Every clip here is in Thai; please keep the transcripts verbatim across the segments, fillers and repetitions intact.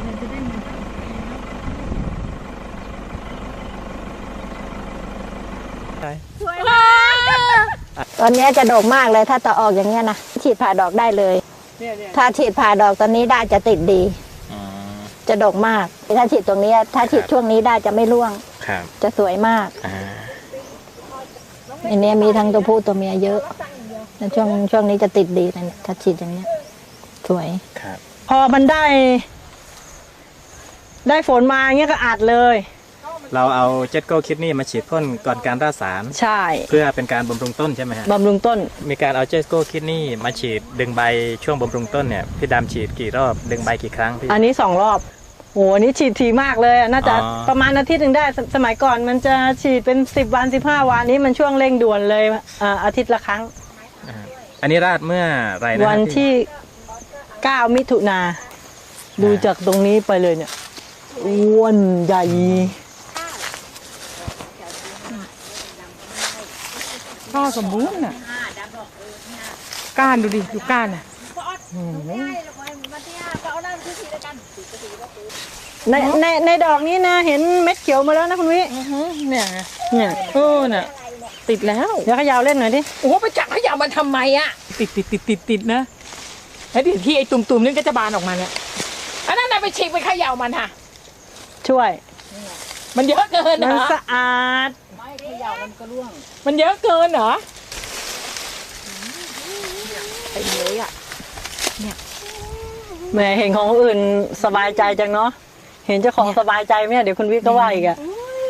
ตอนนี้จะดกมากเลยถ้าต่อออกอย่างเงี้ยนะฉีดผ่าดอกได้เลยถ้าฉีดผ่าดอกตอนนี้ได้จะติดดีจะดกมากถ้าฉีดตรงนี้ถ้าฉีดช่วงนี้ได้จะไม่ร่วงจะสวยมากอันนี้มีทั้งตัวผู้ตัวเมียเยอะในช่วงช่วงนี้จะติดดีนะถ้าฉีดอย่างเงี้ยสวยพอมันได้ ได้ฝนมาเงี้ยก็อัดเลยเราเอาเจ็ตโก้คิดนี่มาฉีดพ่นก่อนการราดสารใช่เพื่อเป็นการบำรุงต้นใช่ไหมฮะบำรุงต้นมีการเอาเจ็ตโก้คิดนี่มาฉีดดึงใบช่วงบำรุงต้นเนี่ยพี่ดำฉีดกี่รอบดึงใบกี่ครั้งพี่อันนี้สองรอบโหอันนี้ฉีดทีมากเลยน่าจะประมาณอาทิตย์หนึ่งได้สมัยก่อนมันจะฉีดเป็นสิบวันสิบห้าวันนี้มันช่วงเร่งด่วนเลยอาทิตย์ละครั้งอันนี้ราดเมื่อไรนะวันที่เก้ามิถุนาดูจากตรงนี้ไปเลยเนี่ยอ้วนใหญ่ข้าวสมบูรณ์น่ะก้านดูดิดูก้านน่ะในในในดอกนี้นะเห็นเม็ดเขียวมาแล้วนะคุณวิเนี่ยเนี่ยเออเนี่ยติดแล้วเดี๋ยวขยาวเล่นหน่อยดิโอ้ไปจับขยาวมันทำไมอ่ะติดติดติดติดติดนะแล้วดิที่ไอ้ตุ่มๆนี่ก็จะบานออกมาเนี่ยอันนั้นน่ะไปฉีกไปขยาวมันค่ะช่วยมันเยอะเกินมันสะอาดไม่ขยาวมันก็ร่วงมันเยอะเกินเหรอไอ้เลยอ่ะเนี่ยแม่เห็นของอื่นสบายใจจังเนาะเห็นเจ้าของสบายใจไหมเดี๋ยวคุณวิทย์ก็ว่าอีกอะ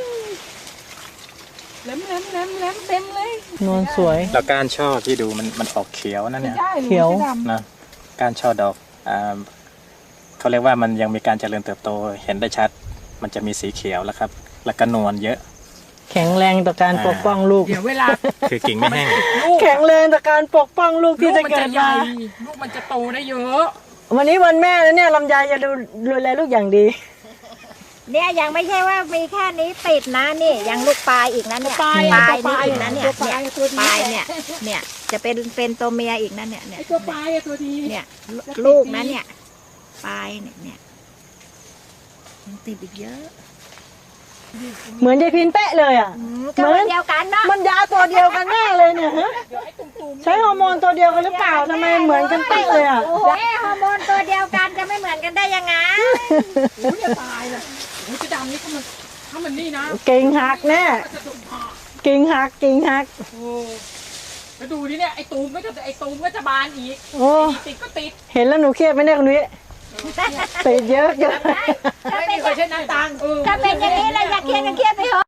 แหลมแหลมแหลมแหลมเต็มเลยนวลสวยแล้วก้านช่อที่ดูมันมันออกเขียวนั่นเนี่ยเขียวนะก้านช่อดอกอ่าเขาเรียกว่ามันยังมีการเจริญเติบโตเห็นได้ชัดมันจะมีสีเขียวแล้วครับแล้วก็นวลเยอะแข็งแรงต่อการปกป้องลูกเดี๋ยวเวลาคือกิ่งไม่แห้งแข็งแรงต่อการปกป้องลูกที่จะเกิดมาลูกมันจะโตได้เยอะวันนี้วันแม่แล้วเนี่ยลำไยจะดูดูแลลูกอย่างดีเนี่ยยังไม่ใช่ว่ามีแค่นี้ติดนะนี่ยังลูกปลายอีกนะเนี่ยปลายนี่อีกนะเนี่ยเนี่ยปลายเนี่ยเนี่ยจะเป็นเป็นตัวเมียอีกนะเนี่ยเนี่ยตัวปลายตัวดีเนี่ยลูกนะเนี่ยปลายเนี่ยเนี่ยยังติดอีกเยอะเหมือนยายพินเป๊ะเลยอ่ะเหมือนเดียวกันเนาะมันยาตัวเดียวกันแน่เลยเนี่ยใช้ฮอร์โมนตัวเดียวกันหรือเปล่าทำไมเหมือนกันเป๊ะเลยอ่ะโอ้ยฮอร์โมนตัวเดียวกันจะไม่เหมือนกันได้ยังไงโอ้ยจะตายเลยโอ้ยจะดำนี่ถ้ามันถ้ามันนี่นะเก่งหักแน่เก่งหักเก่งหักโอ้ไปดูดิเนี่ยไอ้ตูมก็จะไอ้ตูมก็จะบานอีกโอ้ติดก็ติดเห็นแล้วหนูเครียดไหมเนี่ยคุณวิติดเยอะเยอะไม่มีใครใช้น้ำตังถ้าเป็นอย่างนี้เราอยากเครียดก็เครียดไปเถอะ